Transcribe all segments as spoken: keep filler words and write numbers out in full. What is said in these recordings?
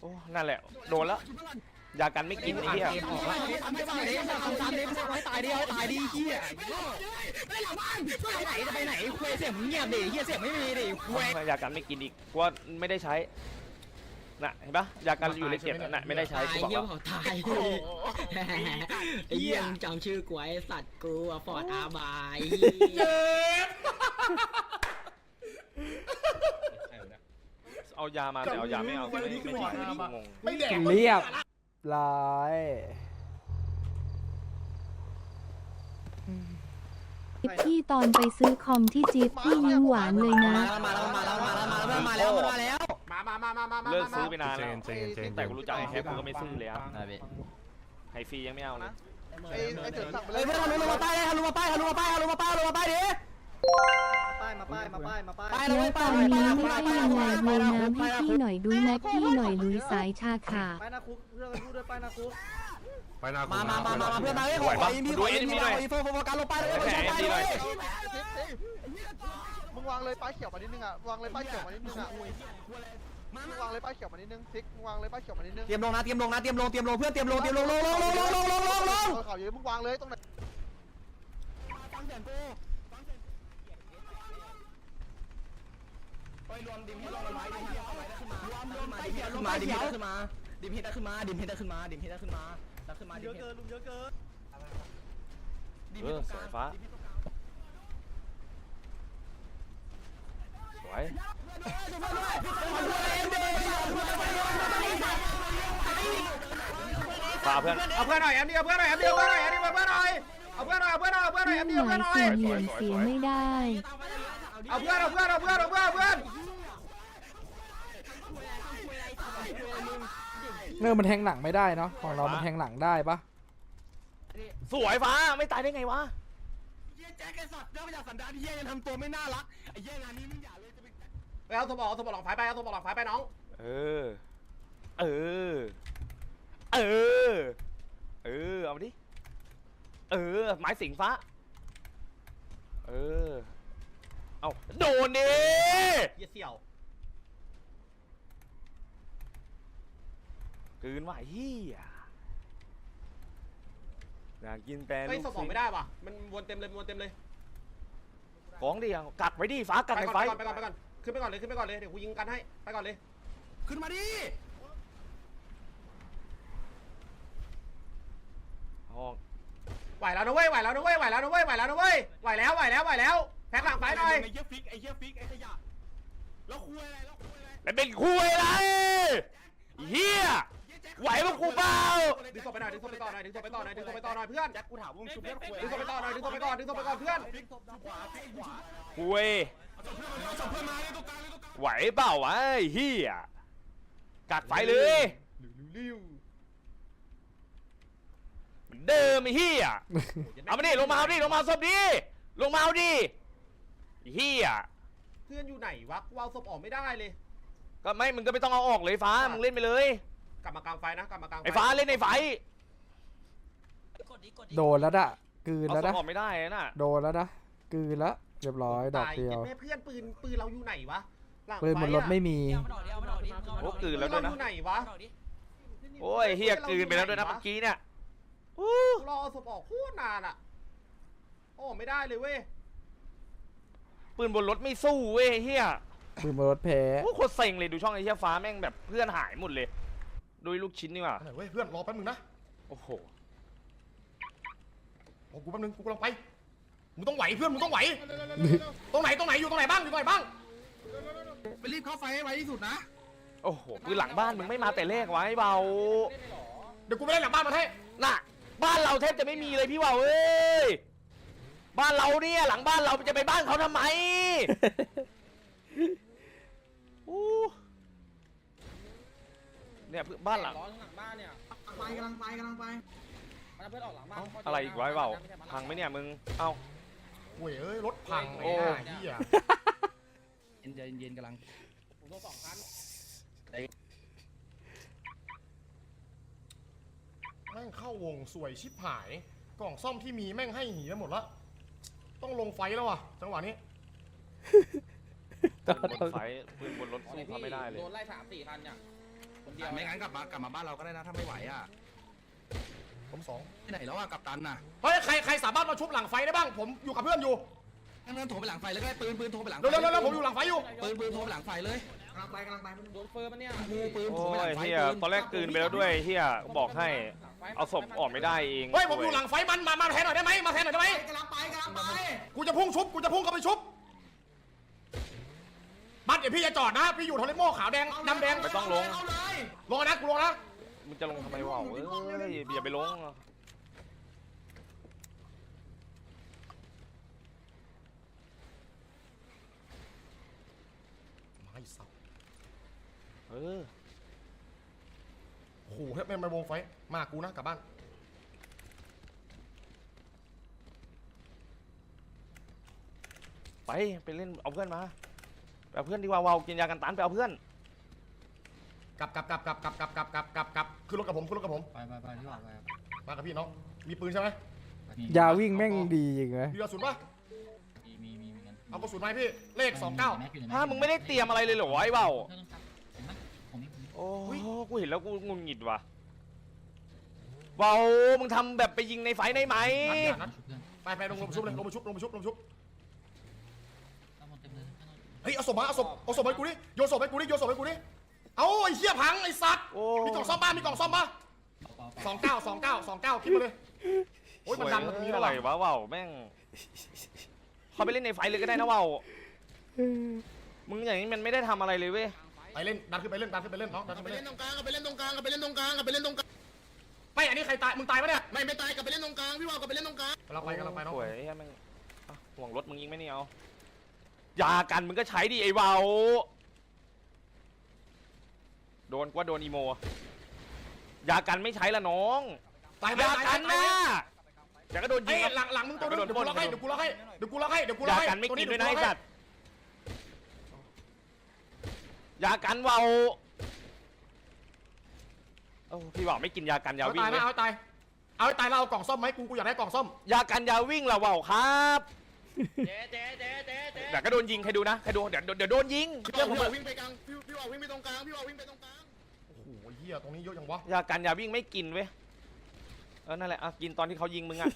อ้นั่นแหละโดนแล้วยากันไม่กินไอ้เหี้ยไม่ไปไหนทำตามเด็กไว้ตายดิไว้ตายดิเหี้ยไปหลังบ้านไปไหนจะไปไหนคุยเสียงเงียบดิเหี้ยเสียงไม่มีดิคุยยากันไม่กินอีกกูว่าไม่ได้ใช้น่ะเห็นปะยากันอยู่ในเก็บน่ะไม่ได้ใช้กูบอกว่าตายไอ้เหี้ยจำชื่อกูไอ้สัตว์กูอะฟอร์ดอาบายเอายามาแต่เอายาไม่เอาไม่ไม่งงไม่แดกเรียบร้อยพี่ตอนไปซื้อคอมที่จิ๊บพี่ยิ้มหวานเลยนะมาแล้วมาแล้วมาแล้วมาแล้วมาแล้วมาแล้วมามามามามามาเลิกซื้อไปนานแล้วแต่กูรู้จักไอ้แฮปกูก็ไม่ซื้อเลยครับไฮฟรียังไม่เอานะไอ้ไอ้เถิดสั่งไปเลเฮ้ยยเพื่อนลงมาป้ายเลยลงมาป้ายลงมาป้ายลงมาป้ายลงมาป้ายดิป้ายมาป้ายมาป้ายมาป้ายแล้วตอนนี้ไม่ใช่ยังไงเลยนะพี่พี่หน่อยดูแม็กพี่หน่อยลุยสายชาขาป้ายนาคุกเรื่องกันพูดด้วยป้ายนาคุกมามามามาเพื่อนมาเฮ้ยขออินพีขออินพีหน่อยโฟโฟกัสลงป้ายเลยลงป้ายเลยมึงวางเลยป้ายเขียวมานิดนึงอ่ะวางเลยป้ายเขียวมานิดนึงอ่ะมึงวางเลยป้ายเขียวมานิดนึงซิกมึงวางเลยป้ายเขียวมานิดนึงเตรียมลงนะเตรียมลงนะเตรียมลงเตรียมลงเพื่อนเตรียมลงเตรียมลงลงลงลงลงลงลงลงลงข่าวเยอะมึงวางเลยตรงไหนฟังเสียงกูไปรวมดิมให้ลงไว้ดิมให้ลงไว้ได้ขึ้นมารวมรวมไปเขียวลงมาดิมให้ได้ขึ้นมาดิมให้ได้ขึ้นมาดิมให้ได้ขึ้นมาดิมให้ได้ขึ้นมาได้ขึ้นมาเยอะเกินลุงเยอะเกินเออสายฟ้าสวยฝาเพื่อนเอาเพื่อนหน่อยแอมเดียวเพื่อนหน่อยแอมเดียวเพื่อนหน่อยแอมเดียวเพื่อนหน่อยเอาเพื่อนหน่อยเอาเพื่อนหน่อยเอาเพื่อนหน่อยแอมเดียวเพื่อนหน่อยเสียเสียไม่ได้เอาเพื่อนเอาเพื่อนเอาเพื่อนเอาเพื่อนเพื่อนเนื้อมันแทงหลังไม่ได้เนาะของเรามันแทงหลังได้ปะสวยฟ้าไม่ตายได้ไงวะเยี่ยแจ็คไอ้สัตว์เจ้าพระยาสันดานเยี่ยยังทำตัวไม่น่ารักไอ้เยี่ยงานนี้มึงอย่าเลยจะไปไปเอาตัวบอกเอาตัวบอกหลังไฟไปเอาตัวบอกหลังไฟไปน้องเออเออเออเออเอามาดิเออไม้สิงฟ้าเออเอาโดนดิเยี่ยเสี่ยวคืนว่าเฮียอยากกินแปรไอ้สมองไม่ได้ป่ะมันวนเต็มเลยวนเต็มเลยของเดียวกักไว้ดิฟ้ากักไฟไปก่อนไปก่อนไปก่อนขึ้นไปก่อนเลยขึ้นไปก่อนเลยเดี๋ยวกูยิงกันให้ไปก่อนเลยขึ้นมาดิไหวแล้วนะเว้ยไหวแล้วนะเว้ยไหวแล้วนะเว้ยไหวแล้วนะเว้ยไหวแล้วไหวแล้วไหวแล้วแพ็คหลังไฟหน่อยไอ้เหี้ยฟิกไอ้เหี้ยฟิกไอ้ขยะแล้วคุยอะไรแล้วคุยอะไรแล้วเป็นคุยอะไรเฮียไหวมั้งกูเปล่าดึงศพไปหน่อยดึงศพไปต่อหน่อยดึงศพไปต่อหน่อยดึงศพไปต่อหน่อยเพื่อนแจ็คกูถามว่ามึงชุบเพื่อนคุยดึงศพไปต่อหน่อยดึงศพไปก่อนดึงศพไปก่อนเพื่อนคุยไหวเปล่าวะเฮียกักไฟเลยเดิมไอ้เฮียเอามาดิลงมาเอาดิลงมาศพดิลงมาเอาดิเฮียเพื่อนอยู่ไหนวะวางศพออกไม่ได้เลยก็ไม่มึงก็ไม่ต้องเอาออกเลยฟ้ามึงเล่นไปเลยกลับมากลางไฟนะกลับมากลางไฟไอ้ฟ้าเล่นในไฟโดนแล้วอะกืนแล้วนะออกไม่ได้น่ะโดนแล้วนะกืนแล้วเรียบร้อยดอกเดียวแม่เพื่อนปืนปืนเราอยู่ไหนวะปืนบนรถไม่มีโอ้กืนแล้วด้วยนะอยู่ไหนวะโอ้ยเฮียกืนไปแล้วด้วยนะเมื่อกี้เนี่ยรอศพออกโคตรนานอ่ะโอ้ไม่ได้เลยเว้ยปืนบนรถไม่สู้เว้ยเฮียปืนบนรถแพ้โอ้โคตรเซ็งเลยดูช่องไอ้เฮียฟ้าแม่งแบบเพื่อนหายหมดเลยโดยลูกชิ้นนี่ว่ะเว้ยเพื่อนรอแป๊บนึงนะโอ้โหโอ้กูแป๊บนึงกูกำลังไปมึงต้องไหวเพื่อนมึงต้องไหวตรงไหนตรงไหนอยู่ตรงไหนบ้างอยู่ตรงไหนบ้างไปรีบเข้าไฟให้ไวที่สุดนะโอ้โหปืนหลังบ้านมึงไม่มาแต่แรกไว้เบาเดี๋ยวกูไปเล่นหลังบ้านมาให้น่ะบ้านเราแทบจะไม่มีเลยพี่เบาเอ้ยบ้านเราเนี่ยหลังบ้านเราจะไปบ้านเขาทำไมเนี่ยบ้านหลังหลังบ้านเนี่ยไปกำลังไปกำลังไปเพื่อนออกหลังบ้านอะไรอีกไว้เปล่าพังไหมเนี่ยมึงเอ้าโว้ยเอ้ยรถพังโอ้ยเหี้ยเย็นเย็นกำลังผมต้องสองคันแม่งเข้าวงสวยชิบหายกล่องซ่อมที่มีแม่งให้หีไปหมดละต้องลงไฟแล้วว่ะจังหวะนี้ปืนบนไฟปืนบนรถสู้เขาไม่ได้เลยโดนไล่สามสี่คันเนี่ยไม่งั้นกลับมากลับมาบ้านเราก็ได้นะถ้าไม่ไหวอ่ะผมสองที่ไหนแล้วอ่ะกัปตันน่ะเฮ้ยใครใครสามารถมาชุบหลังไฟได้บ้างผมอยู่กับเพื่อนอยู่งั้นโทรไปหลังไฟแล้วก็ได้ปืนปืนโทรไปหลังไฟเร็วเร็วเร็วผมอยู่หลังไฟอยู่ปืนปืนโทรไปหลังไฟเลยกำลังไปกำลังไปโดนเฟิร์มเนี่ยปืนปืนโทรโอ้ไปหลัยงไฟเฮียตอนแรกกลืนไปแล้วด้วยเฮียบอกให้เอาศพออกไม่ได้เองเฮ้ยผมอยู่หลังไฟมันมามาแทนหน่อยได้ไหมมาแทนหน่อยได้ไหมกำลังไปกำลังไปกูจะพุ่งชุบกูจะพุ่งเข้าไปชุบบัสเดี๋ยวพี่จะจอดนะพี่อยู่ทอริโม่ขาวแดงดำแดงไม่ต้องลงลงนะกูลงนะมึงจะลงทำไมวะเอ้ยอย่าไปลงไม่สับเออโอ้โหเฮ้ยแม่งมาวงไฟมากูนะกลับบ้านไปไปเล่นเอาเพื่อนมาไปเอาเพื่อนดีกว่าวาวกินยากันตันไปเอาเพื่อนกลับกลับกลับกลับกลับกลับกลับกลับกลับกลับขึ้นรถกับผมขึ้นรถกับผมไปไปไปที่ออกไปมากับพี่น้องมีปืนใช่ไหมยาวิ่งแม่งดีจริงไหมมีกระสุนปะมีมีมีมีเอากระสุนมาให้พี่เลขสองเก้าถ้ามึงไม่ได้เตรียมอะไรเลยเหรอวะไอ้เบาโอ้กูเห็นแล้วกูงุนหงิดว่ะเบามึงทำแบบไปยิงในไฟได้ไหมนัดเนี่ยนัดไปไปลงลงชุบเลยลงมาชุบลงมาชุบลงมาชุบเฮ้ยเอาศพมาเอาศพเอาศพให้กูดิโยนศพให้กูดิโยนศพให้กูดิเอาไอ้เหี้ยพังไอ้สัตว์โอ้มีกล่องซ่อมบ้านมีกล่องซ่อมบ้าสองเก้าสองเก้าสองเก้าคิดมาเลยโอ้ยมันดังมันตรงนี้แล้วอะไรว่ะวะเบาแม่งเขาไปเล่นในไฟเลยก็ได้นะเบามึงอย่างนี้มันไม่ได้ทำอะไรเลยเว้ยไปเล่นดันขึ้นไปเล่นดันขึ้นไปเล่นน้องดันขึ้นไปไปเล่เล่นนตรงกลางไปเล่นตรงกลางไปเล่นตรงกลางไปเล่นตรงกลางไม่อันนี้ใครตายมึงตายปะเนี่ยไม่ไม่ตายกลับไปเล่นตรงกลางพี่ว่าวกลับไปเล่นตรงกลางกำลังไปกำลังไปน้องสวยไอ้เหี้ยแม่งอ่ะห่วงรถมึงยิงไหมเนี่ยเอายากันมึงก็ใช้ดิไอ้เบาโดนกว่าโดนอีโมยากันไม่ใช้ละน้องตายไปยาตายกันไปนะแต่ก็โดนยิเฮ้งยครับหลังหลังมึงตัวนึงเดี๋ยวกูล็อกให้เดี๋ยวกูล็อกให้เดี๋ยวกูล็อกให้เดี๋ยวกูล็ยาอกให้กันไม่กินด้วยนะตัไอ้สัตว์ยากันเบาโอ้พี่บอกไม่กินยากันยาเอาวิ่งตายเลนะยเอาตายเอาตายเราเอากล่องซ่อมไหมกูกูอยากได้กล่องซ่อมยากันยาวิ่งละเบาครับเจ๊เจ๊เจ๊เจ๊เจ๊เดี๋ยวก็โดนยิงใครดูนะใครดูเดี๋ยวเดี๋ยวโดนยิงพี่เรื่องผมว่าววิ่งไปกลางพี่พี่ว่าววิ่งไปตรงกลางพี่ว่าววิ่งไปตรงกลางโอ้โหเหี้ยตรงนี้เยอะยังวะยากันยาวิ่งไม่กินเว้ยเออนั่นแหละอ่ะกินตอนที่เขายิงมึงอ่ะ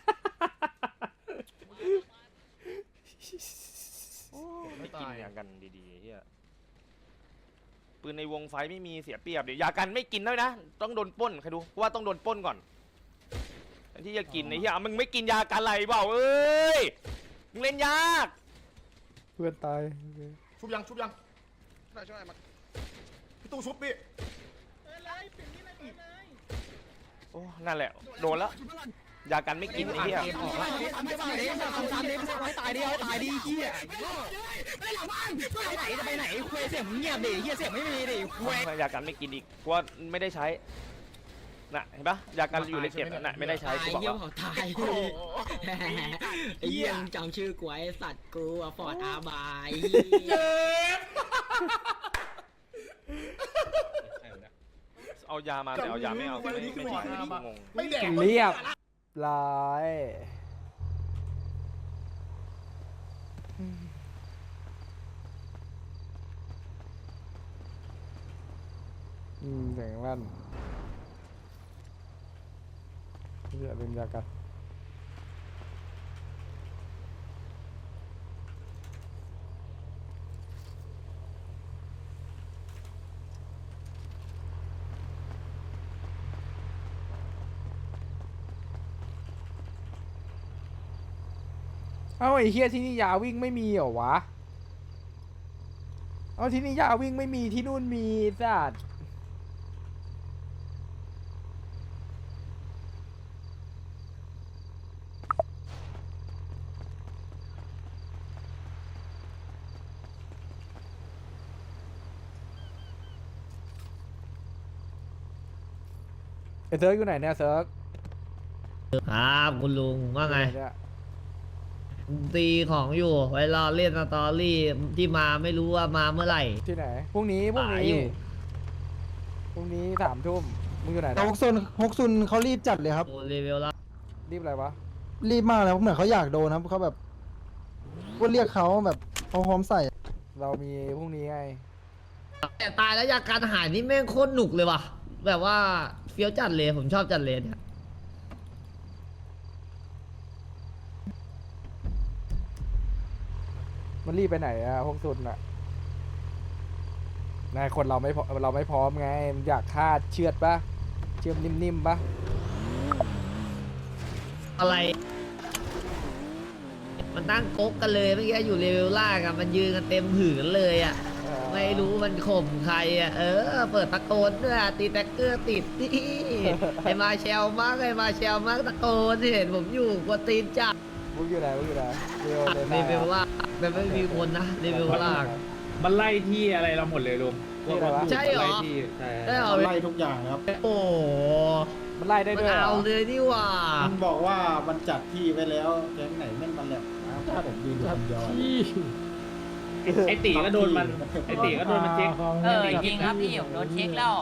ไม่กินยากันดีๆเฮียปืนในวงไฟไม่มีเสียเปรียบเดี๋ยวยากันไม่กินด้วยนะต้องโดนปล้นใครดูว่าต้องโดนปล้นก่อนที่จะกินไอ้เหี้ยมึงไม่กินยากันอะไรเปล่าเอ้ยมึงเล่นยากเพื่อนตายชุบยังชุบยังช่วยช่วยมาพี่ตู้ชุบพี่โอ้นั่นแหละโดนแล้วยากันไม่กินไอ้เหี้ยออกแล้วไม่ไปไหนทำตามเด็กไว้ตายดิไว้ตายดิเฮียไปหลังบ้านไปไหนจะไปไหนคุยเสียงเงียบดิเฮียเสียงไม่มีดิคุยยากันไม่กินอีกกูว่าไม่ได้ใช้น่ะเห็นปะยากันอยู่ในเก็บน่ะไม่ได้ใช้กูบอกเยี่ยว่ามเขาตายไอ้เยี่ยมจำชื่อกูไอ้สัตว์กูอะฟอร์ดอาบายเจ็บเอายามาแต่เอายาไม่เอาไม่ไม่ใช่งงไม่แดกเรียบร้อยอืมเสียงลั่นอย่าลืมยากันเอ้าไอ้เฮียที่นี่ยาวิ่งไม่มีเหรอวะ เอาที่นี่ยาวิ่งไม่มีที่นู่นมีสัตว์ไอ้เซิร์กอยู่ไหนเนี่ยเซิร์กครับคุณลุงว่าไงเนี่ยตีของอยู่ไว้รอเล่นสตอรี่ที่มาไม่รู้ว่ามาเมื่อไหร่ที่ไหนพรุ่งนี้พรุ่งป่านี้อยู่พรุ่งนี้สามทุ่มมึงอยู่ไหนแต่นะฮกซุนฮกซุนเขารีบจัดเลยครับโอ้รีวิวแล้วรีบอะไรวะรีบมากเลยเหมือนเขาอยากโดนครับเขาแบบพูดเรียกเขาแบบเขาพร้อมใส่เรามีพรุ่งนี้ไงแต่ตายแล้วยาการหายนี่แม่งโคตรหนุกเลยว่ะ แบบว่าเฟี้ยวจัดเลยผมชอบจัดเลยเนี่ยมันรีบไปไหนอะพวกซุนอะนายคนเราไม่พอเราไม่พร้อมไงมันอยากคาดเชือดปะเชื่อมนิ่มๆปะอะไร มันตั้งก๊กกันเลยเมื่อกี้อยู่เลเวลล่างอะมันยืนกันเต็มผืนเลยอะเออไม่รู้มันข่มใครอะเออ เปิดตะโกนด้วยอะตีแท็กเกอร์ติดนี่ไอมาเชลมากไอมาเชลมากตะโกนเห็นผมอยู่กว่าตีนจัดมึงอยู่ไหนมึงอยู่ไหนเร็วเลยเลเวลล่างแต่ไม่มีคนนะเลเวลล่างมันไล่ที่อะไรเราหมดเลยลุงนี่อะไรวะใช่เหรอไล่ที่ใช่ได้เอาไล่ทุกอย่างครับโอ้โหมันไล่ได้มันด้วยเหรเอาอเลยนี่หว่ามันบอกว่ามันจัดที่ไว้แล้วแก๊งไหนแม่งมันแหลมถ้าผมยืนอยู่คนเดียวไอตีก็โดนมันไอตีก็โดนมันเช็คเออจริงครับพี่ผมโดนเช็คแล้ว